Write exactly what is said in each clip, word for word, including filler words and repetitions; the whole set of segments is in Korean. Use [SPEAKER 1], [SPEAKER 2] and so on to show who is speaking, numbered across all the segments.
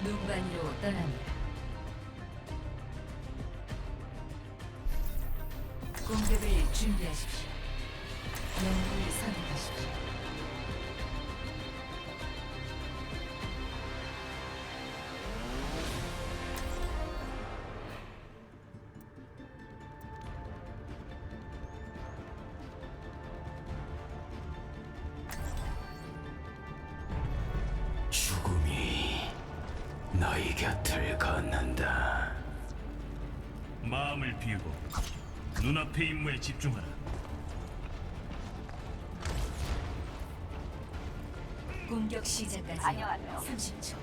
[SPEAKER 1] 눈반이로 떠납니다. 공격을 준비하십시오. 영웅을 선택하십시오.
[SPEAKER 2] 죽음이 너희 곁을 걷는다.
[SPEAKER 3] 마음을 비우고 눈앞의 임무에 집중하라.
[SPEAKER 1] 공격 시작까지 삼십 초.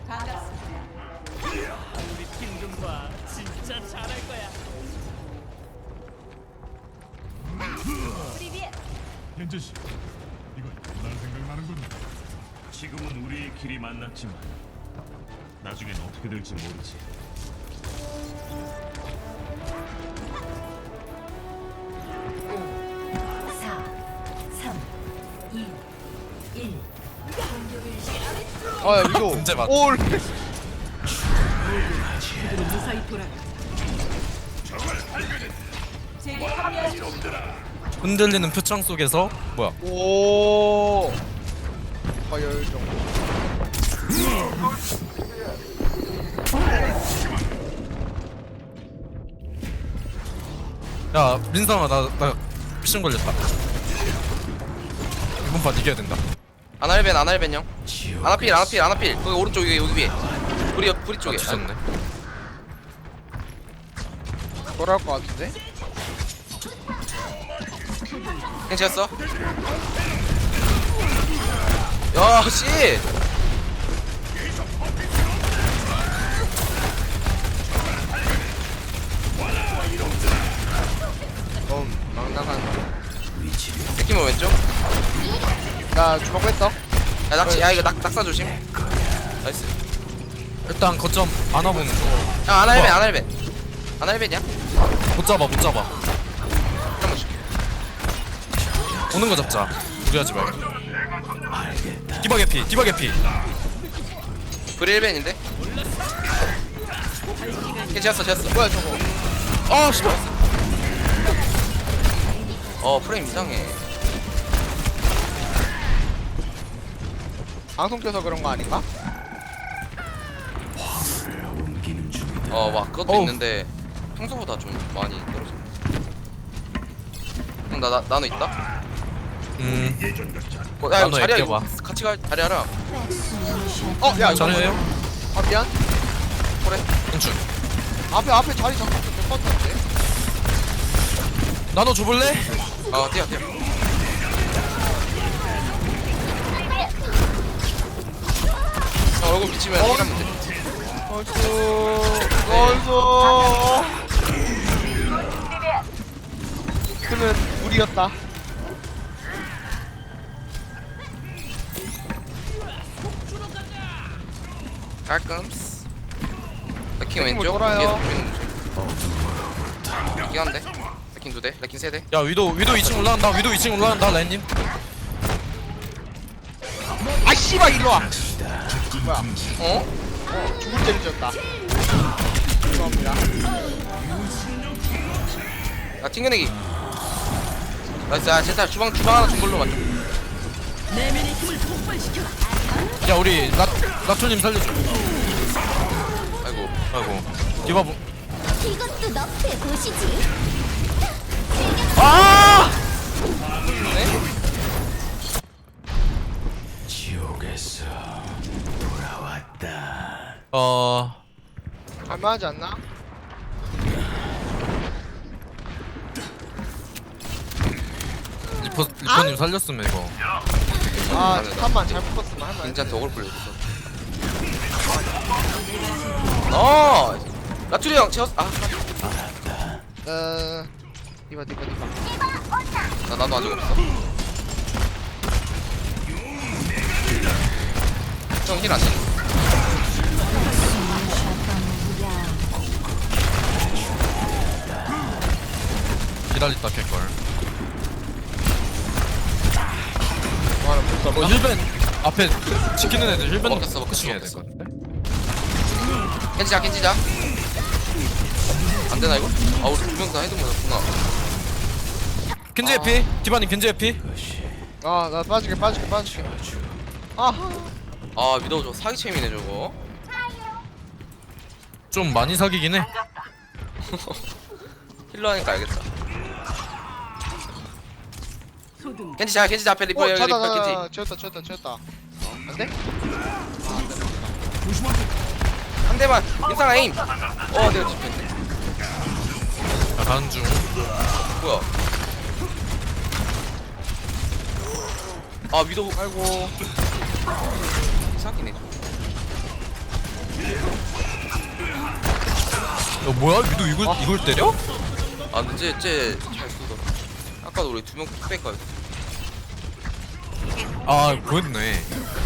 [SPEAKER 4] 우리 팀 좀 봐. 진짜 잘할 거야.
[SPEAKER 5] 현재 씨, 이건 난 생각나는군.
[SPEAKER 3] 지금은 우리의 길이 만났지만 나중엔 어떻게 될지 모르지.
[SPEAKER 1] 사, 삼, 이, 일. 공격을 시작.
[SPEAKER 6] 아 이거
[SPEAKER 7] 문제 맞.
[SPEAKER 6] 올
[SPEAKER 7] 흔들리는 표창 속에서 뭐야?
[SPEAKER 6] 오 과열정
[SPEAKER 7] 야 민상아 나 나 미션 걸렸다. 이번 판 이겨야 된다.
[SPEAKER 8] 아날벤 아날벤 형
[SPEAKER 2] 지옥
[SPEAKER 8] 아나필 아나필 아나필 거기 오른쪽 여기 여기 위에 불이 옆 불이
[SPEAKER 7] 아
[SPEAKER 8] 쪽에
[SPEAKER 7] 뒤졌네.
[SPEAKER 6] 돌아올 것 같은데?
[SPEAKER 8] 괜찮았어? 야씨
[SPEAKER 6] 너무 망나간
[SPEAKER 8] 새끼만 왼쪽
[SPEAKER 6] 나 주먹 뺐어
[SPEAKER 8] 야 낙지 야 이거 낙, 낙사 조심 나이스
[SPEAKER 7] 일단 거점 안아보는 중.
[SPEAKER 8] 야 아날벤
[SPEAKER 7] 뭐야?
[SPEAKER 8] 아날벤 아날벤이야?
[SPEAKER 7] 못 잡아 못 잡아.
[SPEAKER 8] 잠깐만 줄게
[SPEAKER 7] 오는 거 잡자. 무리하지 말고. 디바 개피 디바 개피.
[SPEAKER 8] 불이 일 벤인데? 괜찮았어 괜찮았어
[SPEAKER 6] 뭐야 저거
[SPEAKER 8] 어 씨발 어 프레임 이상해
[SPEAKER 6] 방송 껴서 그런 거 아닌가?
[SPEAKER 2] 옮기는 중이다.
[SPEAKER 8] 어와 그것도
[SPEAKER 7] 어우.
[SPEAKER 8] 있는데 평소보다 좀 많이 떨어졌네 형나 나, 나노 있다?
[SPEAKER 7] 음
[SPEAKER 8] 어, 야 이거
[SPEAKER 7] 나노
[SPEAKER 8] 자리야
[SPEAKER 7] 애껴봐.
[SPEAKER 8] 이거 같이 가 자리하라
[SPEAKER 6] 어 야 이거
[SPEAKER 7] 잘해요.
[SPEAKER 6] 아 미안
[SPEAKER 8] 그래
[SPEAKER 7] 인출.
[SPEAKER 6] 앞에 앞에 자리 잡고 몇번 탔는데?
[SPEAKER 7] 나눠 줘볼래?
[SPEAKER 8] 어 뛰어 뛰어 형 얼굴 비치면 힐하면 돼
[SPEAKER 6] 얼쑤 얼쑤 그는 우리였다
[SPEAKER 8] 깔끔스 레킹
[SPEAKER 6] 레킹 뭐
[SPEAKER 8] 왼쪽
[SPEAKER 6] 돌아요.
[SPEAKER 8] 뒤에서 보이는 거죠 레킹 한대 레킹 두대 레킹 세대
[SPEAKER 7] 야 위도 위도 이 층 올라간다. 위도 이 층 올라간다 라인님.
[SPEAKER 6] 아 씨발 일로와 뭐야
[SPEAKER 8] 어?
[SPEAKER 6] 어 죽을 죄를 지었다 죄송합니다
[SPEAKER 8] 야 튕겨내기 나이스 야 제타 주방 주방 하나 준 걸로 맞춰
[SPEAKER 7] 야 우리 라 라초님 살려줘.
[SPEAKER 8] 아이고
[SPEAKER 7] 아이고 디바 보.
[SPEAKER 9] 이것도 너프에 보시지.
[SPEAKER 7] 아!
[SPEAKER 2] 지옥에서 돌아왔다.
[SPEAKER 7] 어
[SPEAKER 6] 갈만하지 않나?
[SPEAKER 7] 리퍼 리퍼님 살렸으면 이거.
[SPEAKER 6] 아 잠깐만 잘못 봤으면 할만
[SPEAKER 8] 진짜 덕을 불렸어 어 라투리 형 채웠 아나
[SPEAKER 6] 어... 디바 디바 디바
[SPEAKER 8] 나도 아직 없어 형 힐 안돼
[SPEAKER 7] 기다렸다 캘걸.
[SPEAKER 6] 와나 못
[SPEAKER 7] 어 힐벤 앞에 지키는 애들 힐벤
[SPEAKER 8] 먹혔어, 먹혔어,
[SPEAKER 7] 해야
[SPEAKER 8] 먹혔어.
[SPEAKER 7] 될것 같은데.
[SPEAKER 8] 켄지자 켄지자 안되나 이거? 아 우리 두 명 다 헤드 맞았구나.
[SPEAKER 7] 겐지 해피. 디바님 겐지 해피.
[SPEAKER 6] 아나 빠질게 빠질게 빠질게. 아하.
[SPEAKER 8] 아 위도우 저 사기챔이네 저거.
[SPEAKER 7] 좀 많이 사기긴 해.
[SPEAKER 8] 힐러 하니까 알겠다. 켄지자 켄지자 앞에 리퍼
[SPEAKER 6] 어
[SPEAKER 8] 여기
[SPEAKER 6] 찾아
[SPEAKER 8] 리퍼 켄지.
[SPEAKER 6] 찾아 채웠다 채웠다 채웠다. 안돼?
[SPEAKER 8] 한 대만 인상 에임. 어 내가 집혔네.
[SPEAKER 7] 자, 가는 중.
[SPEAKER 8] 뭐야? 아 위도우
[SPEAKER 6] 아이고.
[SPEAKER 8] 사기네.
[SPEAKER 7] 야 뭐야? 위도 이걸
[SPEAKER 6] 아.
[SPEAKER 7] 이걸 때려?
[SPEAKER 8] 아 근데 쟤쟤잘 쏘더라. 아까도 우리 두명 뚝배까지.
[SPEAKER 7] 아 보였네.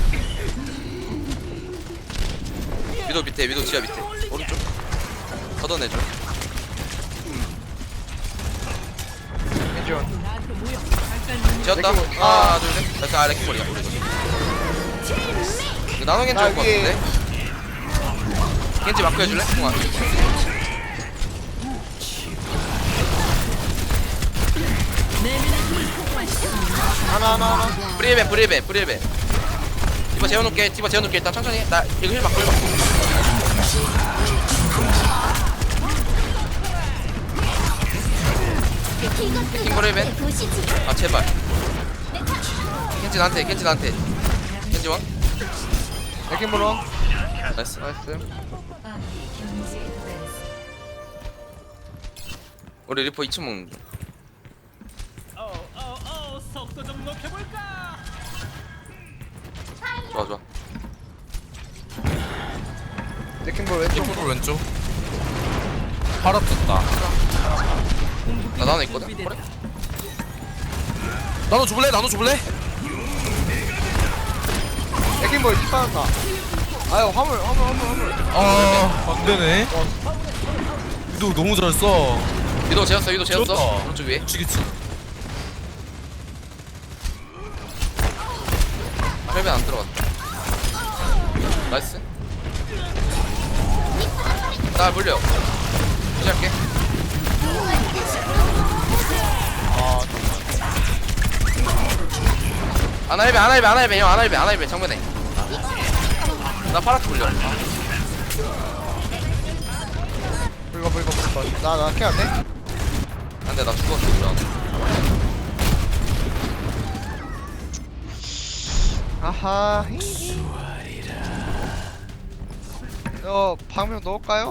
[SPEAKER 8] 위도 밑에 위도 지하 밑에 오른쪽 걷어내줘.
[SPEAKER 6] 겐지원.
[SPEAKER 8] 지었다.
[SPEAKER 6] 레킹볼.
[SPEAKER 8] 하나 둘셋 됐다. 아 레킹볼이야 우리 이거 나노 겐지
[SPEAKER 6] 나
[SPEAKER 8] 올것
[SPEAKER 6] 위에.
[SPEAKER 8] 같은데. 겐지 마크 해줄래? 동아
[SPEAKER 6] 하나 하나 하나.
[SPEAKER 8] 브리벤 브리벤 브리벤 디바 재워놓을게. 디바 재워놓을게. 일단 천천히 해. 나 이거 힐 맞고 힐 맞고.
[SPEAKER 9] 이것도
[SPEAKER 8] 킹브레이벤?
[SPEAKER 9] 너프의 도시지.
[SPEAKER 8] 아 제발. 겐지 나한테 겐지 나한테 겐지 왕
[SPEAKER 6] 레킹볼원.
[SPEAKER 8] 나이스.
[SPEAKER 6] 나이스.
[SPEAKER 1] 아군이 경제에 도달했습니다.
[SPEAKER 8] 우리 리퍼 이 층 먹는 중.
[SPEAKER 4] 어어어 속도 좀 높여볼까?
[SPEAKER 8] 좋아 좋아.
[SPEAKER 6] 레킹볼 왼쪽.
[SPEAKER 7] 리퍼 왼쪽. 팔아 떴다.
[SPEAKER 8] 나 나노 있거든. 그래?
[SPEAKER 7] 나눠 줘볼래? 나눠 줘볼래?
[SPEAKER 6] 레킹볼 뒷 받았다. 아유 화물 화물 화물 화물.
[SPEAKER 7] 아 안되네. 위도 너무 잘 써.
[SPEAKER 8] 위도 재웠어 위도 재웠어.
[SPEAKER 7] 재웠다.
[SPEAKER 8] 오른쪽 위에.
[SPEAKER 7] 미치겠지.
[SPEAKER 8] 헬멧 안 들어갔다. 나이스. 나 물려. 시작해.
[SPEAKER 6] 아
[SPEAKER 8] 아나일베 아나일베 아나일베 형 아나일베 아나일베 정면에. 나 파랗게 물려.
[SPEAKER 6] 불거 불거 불거. 나나 케어 안 돼?
[SPEAKER 8] 안돼 나 죽었어 그럼.
[SPEAKER 6] 아하. 어 방명 넣을까요?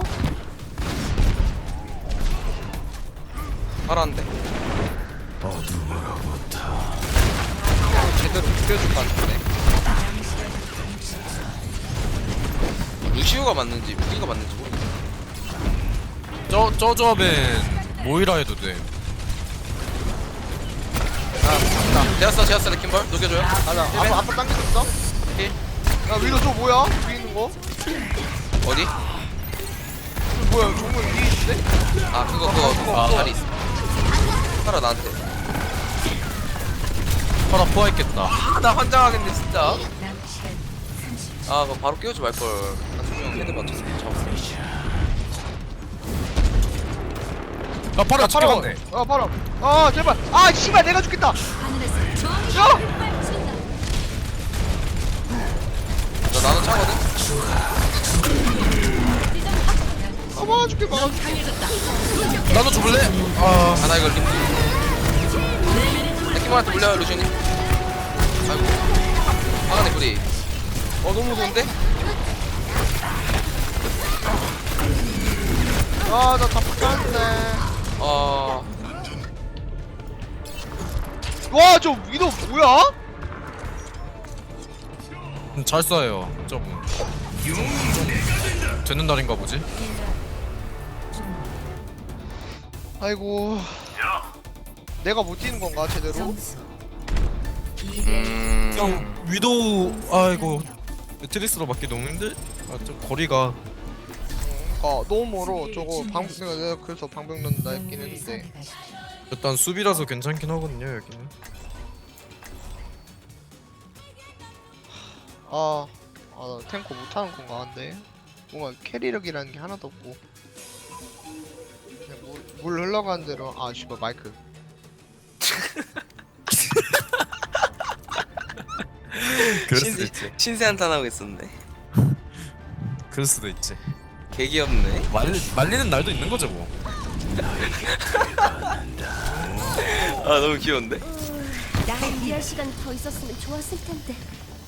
[SPEAKER 8] 파란데.
[SPEAKER 6] 제대로 죽여줄 것 같은데.
[SPEAKER 8] 루시우가 맞는지 무기가 맞는지 모르겠어.
[SPEAKER 7] 저, 저 조합엔 모이라 해도 돼.
[SPEAKER 6] 아
[SPEAKER 8] 재웠어 재웠어 레킹볼 녹여줘요.
[SPEAKER 6] 맞다. 앞으로 앞으로 당길 수 있어?
[SPEAKER 8] 힐.
[SPEAKER 6] 야 위로 저 뭐야? 위에 있는 거?
[SPEAKER 8] 어디?
[SPEAKER 6] 이거 뭐야? 정말 위에 있는데?
[SPEAKER 8] 아 그거 그거
[SPEAKER 7] 아.
[SPEAKER 8] 자리 있어. 팔아 나한테.
[SPEAKER 7] 팔아 포화했겠다.
[SPEAKER 8] 아, 나 환장하겠네 진짜.
[SPEAKER 1] 남은 시간 삼십 초.
[SPEAKER 8] 아 그거 바로 깨우지 말걸. 한두명 헤드 맞춰서 잡았어.
[SPEAKER 7] 야 팔아 찍어갔네.
[SPEAKER 6] 아 바로. 아 제발. 아 씨발 내가 죽겠다.
[SPEAKER 1] 하늘에서 정의
[SPEAKER 6] 야!
[SPEAKER 8] 나 나는 차거든.
[SPEAKER 6] 아 막아줄게 막아줄게.
[SPEAKER 7] 나눠 줘볼래? 아
[SPEAKER 8] 아 나 이거 림. 레킹볼한테 물려요 루시님. 아이고. 화가네 구리. 어 너무 무서운데?
[SPEAKER 6] 아나 잡혔는데.
[SPEAKER 8] 아
[SPEAKER 6] 와저 위도 뭐야?
[SPEAKER 7] 음, 잘 쏴요. 저분. 되는 날인가 보지?
[SPEAKER 6] 아이고. 내가 못 뛰는 건가 제대로?
[SPEAKER 1] 점수 이 대
[SPEAKER 8] 음.
[SPEAKER 7] 형 위도우 아이고 트리스로 맞기 너무 힘들. 아좀 거리가.
[SPEAKER 6] 아 너무 멀어. 저거 방 내가 내가 그래서 방벽 넣는다 했긴
[SPEAKER 1] 영웅을
[SPEAKER 6] 했는데.
[SPEAKER 1] 선택하십시오.
[SPEAKER 7] 일단 수비라서 괜찮긴 하거든요 여기는.
[SPEAKER 6] 아, 아, 나 탱커 못하는 건가, 근데? 뭔가 캐리력이라는 게 하나도 없고 그냥 물, 물 흘러가는 대로. 아 씨발 마이크.
[SPEAKER 7] 그럴 수도
[SPEAKER 8] 신세,
[SPEAKER 7] 있지.
[SPEAKER 8] 신세 한탄하고 있었네.
[SPEAKER 7] 그럴 수도 있지.
[SPEAKER 8] 개 귀엽네.
[SPEAKER 7] 말리, 말리는 날도 있는 거죠 뭐.
[SPEAKER 8] 아 너무 귀여운데?
[SPEAKER 9] 나랑 일할 시간 더 있었으면 좋았을 텐데.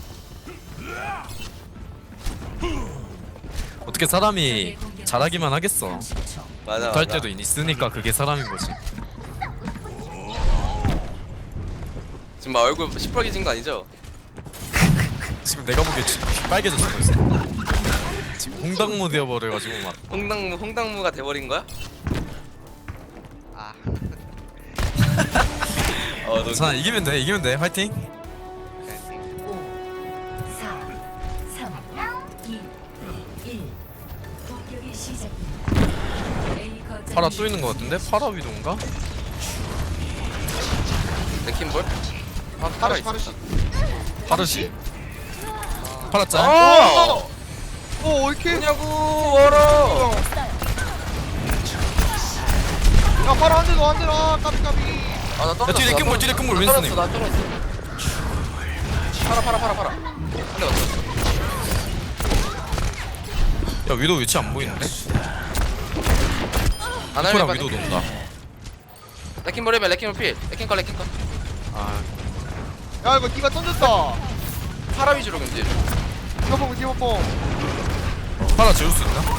[SPEAKER 7] 어떻게 사람이 잘하기만 하겠어.
[SPEAKER 8] 맞아
[SPEAKER 7] 못할
[SPEAKER 8] 맞아.
[SPEAKER 7] 때도 있으니까 그게 사람인 거지.
[SPEAKER 8] 지금 막 얼굴 시뻘개진 거 아니죠?
[SPEAKER 7] 지금 내가 보기에 지- 빨개졌어 벌써. 지금 홍당무 되어버려가지고 막.
[SPEAKER 8] 홍당무 홍당무가 돼버린 거야?
[SPEAKER 6] 아
[SPEAKER 8] 어 너무
[SPEAKER 7] 괜찮아, 이기면 돼, 이기면 돼. 화이팅.
[SPEAKER 1] 사, 삼, 이, 일. 공격이 시작됩니다. A 거점
[SPEAKER 7] 파라 또 있는 거 같은데? 파라 위도인가?
[SPEAKER 8] 레킹볼? 아 팔아
[SPEAKER 6] 파르시 파르시.
[SPEAKER 8] 있었다.
[SPEAKER 7] 파르시. 파라 짤.
[SPEAKER 8] 어!
[SPEAKER 6] 오 이렇게.
[SPEAKER 8] 뭐냐고 월어.
[SPEAKER 6] 야 바로 한 대도 한 대도. 아 까비 까비.
[SPEAKER 8] 아나 떨어졌어.
[SPEAKER 7] 야, 뒤에
[SPEAKER 8] 나
[SPEAKER 7] 레킹볼,
[SPEAKER 8] 떨어졌어.
[SPEAKER 7] 뒤에 레킹볼,
[SPEAKER 8] 나
[SPEAKER 7] 윈스턴님.
[SPEAKER 8] 떨어졌어, 나 떨어졌어. 팔아 팔아 팔아 팔아. 한대 맞췄어.
[SPEAKER 7] 야, 위도 위치 안 보이는데?
[SPEAKER 8] 안
[SPEAKER 7] 파라
[SPEAKER 8] 하면
[SPEAKER 7] 위도 논다.
[SPEAKER 8] 레킹볼 해봐 레킹볼 필. 레킹 거 레킹 거.
[SPEAKER 7] 아,
[SPEAKER 6] 야 이거 니가 던졌다.
[SPEAKER 8] 파라 위주로 견제.
[SPEAKER 6] 디버뽕 디버뽕.
[SPEAKER 7] 파라 지울 수 있나?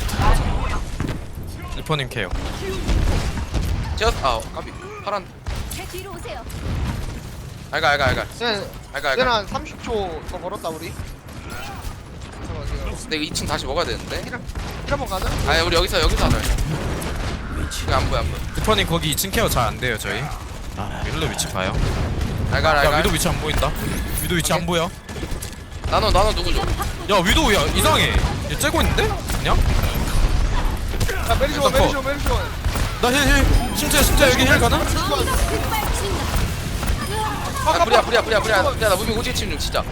[SPEAKER 7] 리퍼님 케어.
[SPEAKER 8] 제어 아 까비. 파란.
[SPEAKER 9] 제 뒤로 오세요.
[SPEAKER 8] 알가 알가 알가.
[SPEAKER 6] 네.
[SPEAKER 8] 알가
[SPEAKER 6] 얘는
[SPEAKER 8] 알가.
[SPEAKER 6] 한 삼십 초 더 걸었다 우리. 잠깐만
[SPEAKER 8] 근데 이거 이 층 다시 먹어야 되는데.
[SPEAKER 6] 이거 한번 가자.
[SPEAKER 8] 아니 우리 여기서 여기서 하자. 이거 안 보여 안 보여.
[SPEAKER 7] 리퍼님 거기 이 층 케어 잘 안 돼요 저희. 힐러 위치 봐요.
[SPEAKER 8] 알가
[SPEAKER 7] 야,
[SPEAKER 8] 알가.
[SPEAKER 7] 위도 위치 안 보인다. 위도 위치 안 보여.
[SPEAKER 8] 나눠 나눠 누구 줘?
[SPEAKER 7] 야, 위도 야 이상해. 얘 째고 있는데? 그냥?
[SPEAKER 6] 야 메리시원
[SPEAKER 7] 컷.
[SPEAKER 6] 메리시원 메리시원.
[SPEAKER 7] 나 힐 힐. 심지어 심지어 여기 힐 가나?
[SPEAKER 9] 정의가 급발진다.
[SPEAKER 8] 아 불이야 불이야 불이야 불이야. 야나 무빙 오지게 치는 중 진짜.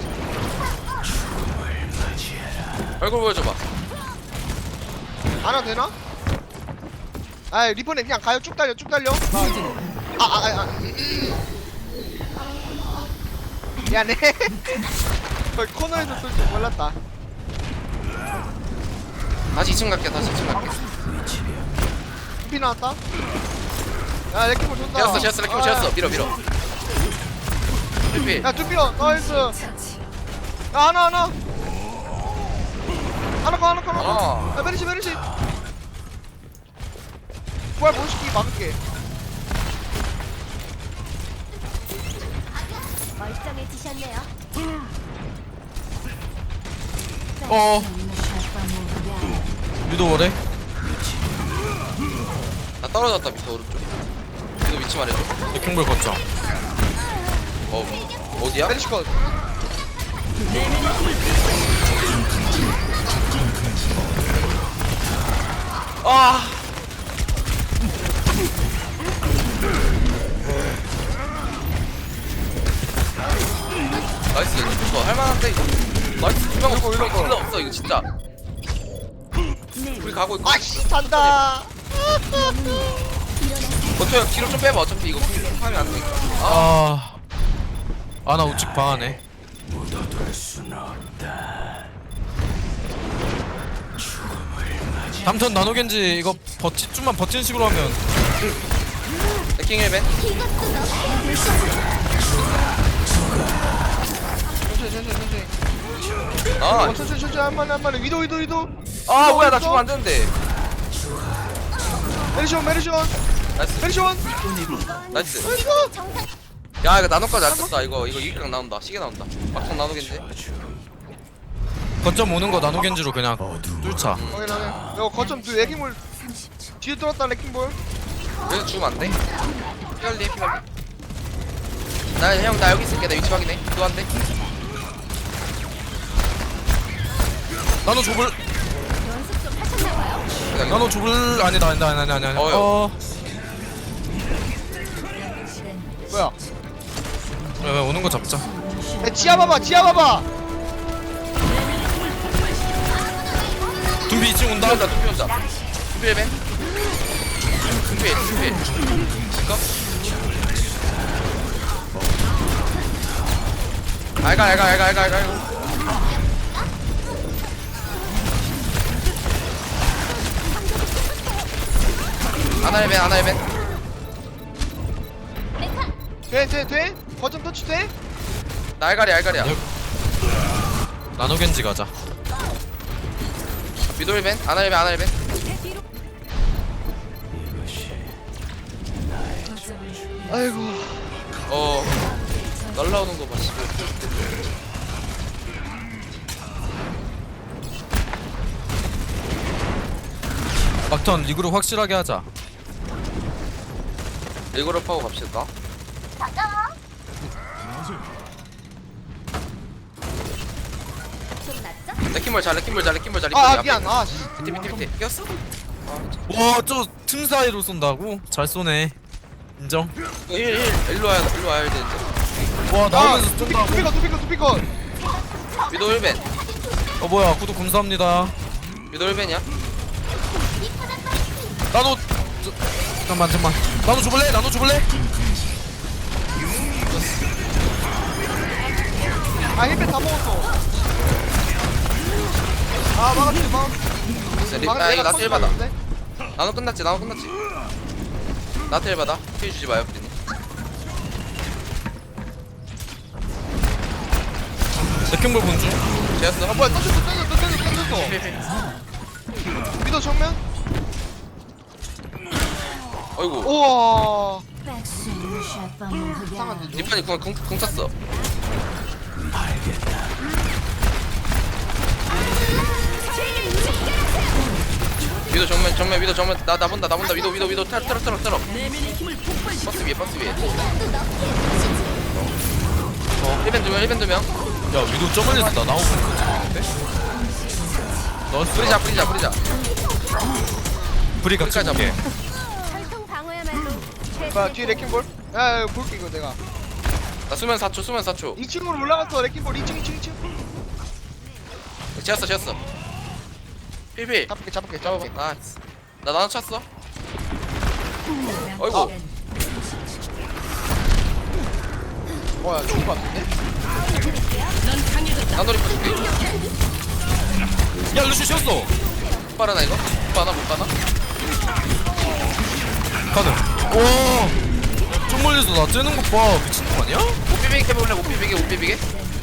[SPEAKER 8] 얼굴 보여줘봐.
[SPEAKER 6] 안 와도 되나? 아 리퍼네 그냥 가요. 쭉 달려 쭉 달려. 아아아 아, 아. 미안해. 거의 코너에서 쏠 줄 몰랐다.
[SPEAKER 8] 다시 이 층 갈게 다시 이 층 갈게.
[SPEAKER 6] 피 나왔다. 야 레킹볼 존다.
[SPEAKER 8] 지었어 지었어 레킹 지었어. 밀어 밀어. 필필.
[SPEAKER 6] 야 두피어 나이스. 야
[SPEAKER 1] 처치.
[SPEAKER 6] 하나 하나. 하나 거 하나 거 하나 거.
[SPEAKER 8] 어.
[SPEAKER 6] 야 메리시 메리시. 부활 못 시키게 막을게.
[SPEAKER 9] 멀쩡해지셨네요.
[SPEAKER 7] 어. 위도 오래.
[SPEAKER 8] 나 떨어졌다 밑에 오른쪽. 이거 위치 말해줘.
[SPEAKER 7] 레킹볼 거점.
[SPEAKER 8] 어 어디야?
[SPEAKER 6] 메리시 컷.
[SPEAKER 8] 아. 나이스 이거 할만한데 이거. 나이스 두명 없어.
[SPEAKER 6] 이거, 이거.
[SPEAKER 8] 필요 없어 이거 진짜. 우리 가고 있고.
[SPEAKER 6] 아씨 잔다.
[SPEAKER 8] 버텨 뒤로 좀 빼봐 어차피 이거 하면 안 되니까. 아
[SPEAKER 7] 아. 아, 나 우측 방하네.
[SPEAKER 2] 묻어둘 순 없다.
[SPEAKER 7] 다음턴 나노겐지 이거 버티 좀만 버티는 식으로 하면
[SPEAKER 8] 레킹 힐벤.
[SPEAKER 6] 천천히 천천히 천천히.
[SPEAKER 8] 아.
[SPEAKER 6] 어, 천천히 천천히 한 번에 한 번에. 위도 위도 위도.
[SPEAKER 8] 아 뭐야 나 죽으면 안 되는데.
[SPEAKER 6] 메리시원 메리시원
[SPEAKER 8] 나이스
[SPEAKER 6] 메리시원.
[SPEAKER 8] 나이스.
[SPEAKER 6] 나이스.
[SPEAKER 8] 야 이거 나노까지 안 떴다. 이거 이거 이기랑 나온다. 시계 나온다. 막상 나노겠지.
[SPEAKER 7] 거점 오는 거 나노겐지로 그냥 뚫자.
[SPEAKER 6] 확인 확인. 이거 거점 뒤 레킹볼
[SPEAKER 1] 삼십 초.
[SPEAKER 6] 뒤에 뚫었다 레킹볼.
[SPEAKER 8] 여기서 죽으면 안 돼? 피갈리 피갈리. 나형 나 여기 있을게. 나 위치 확인해. 또 안 돼?
[SPEAKER 7] 나노 좁을
[SPEAKER 9] 연습 좀 하셨나봐요.
[SPEAKER 8] 기다려.
[SPEAKER 7] 나노 좁을 아니다 아니다 아니다 아니다 아니다.
[SPEAKER 8] 어여.
[SPEAKER 7] 어.
[SPEAKER 1] 남은 시간
[SPEAKER 6] 뭐야?
[SPEAKER 7] 왜, 왜 오는 거 잡자.
[SPEAKER 6] 야 지하 봐봐 지하 봐봐.
[SPEAKER 7] 둠비 이 층 온다.
[SPEAKER 8] 온다 둠피 온다 둠피 헬벤 둠피 둠피 이거 알가 알가 알가 알가 알가 아나 헬벤 아나 헬벤
[SPEAKER 6] 돼, 돼, 돼? 거점 터치 돼?
[SPEAKER 8] 나 알가리 알가리야
[SPEAKER 7] 나노 겐지 가자.
[SPEAKER 8] 미도 헬벤 아나 헬벤 아나 헬벤
[SPEAKER 1] 거점을
[SPEAKER 6] 아이고.
[SPEAKER 8] 어 날라오는 거 봐. 씨발.
[SPEAKER 7] 막턴 리그로 확실하게 하자.
[SPEAKER 8] 일그룹 하고 갑시다.
[SPEAKER 9] 좀 낫죠?
[SPEAKER 8] 레킹볼 잘 레킹볼 잘 레킹볼 잘
[SPEAKER 6] 아, 아
[SPEAKER 8] 앞에.
[SPEAKER 6] 미안. 아, 씨.
[SPEAKER 8] 밑에 밑에 밑에 꼈어?
[SPEAKER 7] 와 저 틈 사이로 쏜다고? 잘 쏘네. 인정.
[SPEAKER 8] 일, 일, 일로 와야 일로 와야 되는데.
[SPEAKER 7] 와
[SPEAKER 6] 아,
[SPEAKER 7] 나오면서
[SPEAKER 6] 두피,
[SPEAKER 7] 쏜다고.
[SPEAKER 6] 두피건, 두피건, 두피건.
[SPEAKER 8] 미도 힐벤
[SPEAKER 7] 어 뭐야 구독 감사합니다.
[SPEAKER 8] 미도 힐벤이야?
[SPEAKER 7] 나노 저, 잠깐만 잠깐만. 나노 줘볼래? 나노 줘볼래?
[SPEAKER 6] 아, 힐백 다 먹었어. 아, 막았지, 막았지.
[SPEAKER 8] 리-
[SPEAKER 6] 막았지,
[SPEAKER 8] 나 이거
[SPEAKER 6] 내가
[SPEAKER 8] 나트 힐 받아.
[SPEAKER 6] 쳤는데?
[SPEAKER 8] 나노 끝났지 나노 끝났지. 나트 힐 받아. 힐 주지 마요 프리님.
[SPEAKER 7] 레킹볼 본중.
[SPEAKER 8] 제였어.
[SPEAKER 6] 아, 뭐야, 던졌어, 던졌어, 던졌어, 던졌어.
[SPEAKER 8] 필필.
[SPEAKER 6] 미도 정면?
[SPEAKER 8] 어이구.
[SPEAKER 6] 우와.
[SPEAKER 1] 상한데
[SPEAKER 6] 이상한데,
[SPEAKER 8] 니판이 궁, 궁, 궁 찼어. 미도 정면 정면 미도 정면 나 나 본다 나 본다 미도 미도 미도 탈 탈 탈 탈. 버스 위에 버스 위에. 어 힐벤 두명 힐벤 두명.
[SPEAKER 7] 야 위도 저 멀리서 나 나오고 있는데? 너스
[SPEAKER 8] 뿌리자 뿌리자 뿌리자.
[SPEAKER 7] 브리 같이
[SPEAKER 8] 끝까지
[SPEAKER 7] 볼게.
[SPEAKER 9] 혈통 방어야말로
[SPEAKER 6] 뭐야, 뒤에 레킹볼? 야, 야, 볼게, 이거 내가.
[SPEAKER 8] 나 수면 사 초 수면 사 초.
[SPEAKER 6] 이 층으로 올라갔어, 레킹볼. 이 층, 이 층, 이 층.
[SPEAKER 8] 지었어 지었어. 필필.
[SPEAKER 6] 잡을게, 잡을게,
[SPEAKER 8] 잡아봐.
[SPEAKER 6] 잡을게.
[SPEAKER 8] 나이스. 나 나눠 찼어.
[SPEAKER 1] 남은
[SPEAKER 8] 어이구.
[SPEAKER 1] 시간
[SPEAKER 6] 뭐야, 죽은 거 같은데?
[SPEAKER 8] 나놀이 풀게.
[SPEAKER 7] 야 루시 쉬었어.
[SPEAKER 8] 빠르나 이거? 못 빠나 못 빠나?
[SPEAKER 7] 가능. 와. 좀 멀리서 나 째는 거 봐. 미친놈 아니야?
[SPEAKER 8] 못 비비게 해볼래? 못 비비게 못 비비게?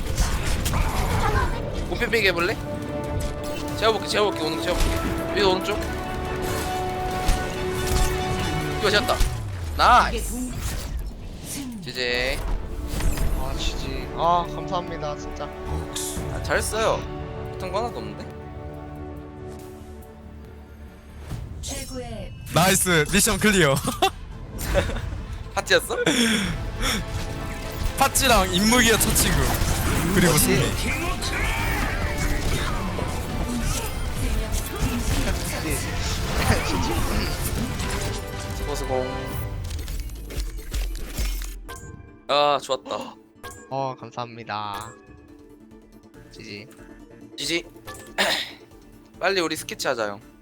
[SPEAKER 8] 못 비비게 해볼래? 재워볼게 재워볼게 오는 거 재워볼게. 위로 오른쪽. 이거 재웠다. 나이스. 지제.
[SPEAKER 6] 아, 지지. 아, 감사합니다, 진짜.
[SPEAKER 8] 아, 잘했어요. 못한 거 하나도 없는데?
[SPEAKER 1] 최고의
[SPEAKER 7] 나이스 미션 클리어.
[SPEAKER 8] 파티였어?
[SPEAKER 7] 파찌랑 인무기가 첫 친구. 그리고 승리.
[SPEAKER 8] 수고수고. 아 좋았다.
[SPEAKER 6] 어, 감사합니다. 지지.
[SPEAKER 8] 지지. 빨리 우리 스케치 하자 형.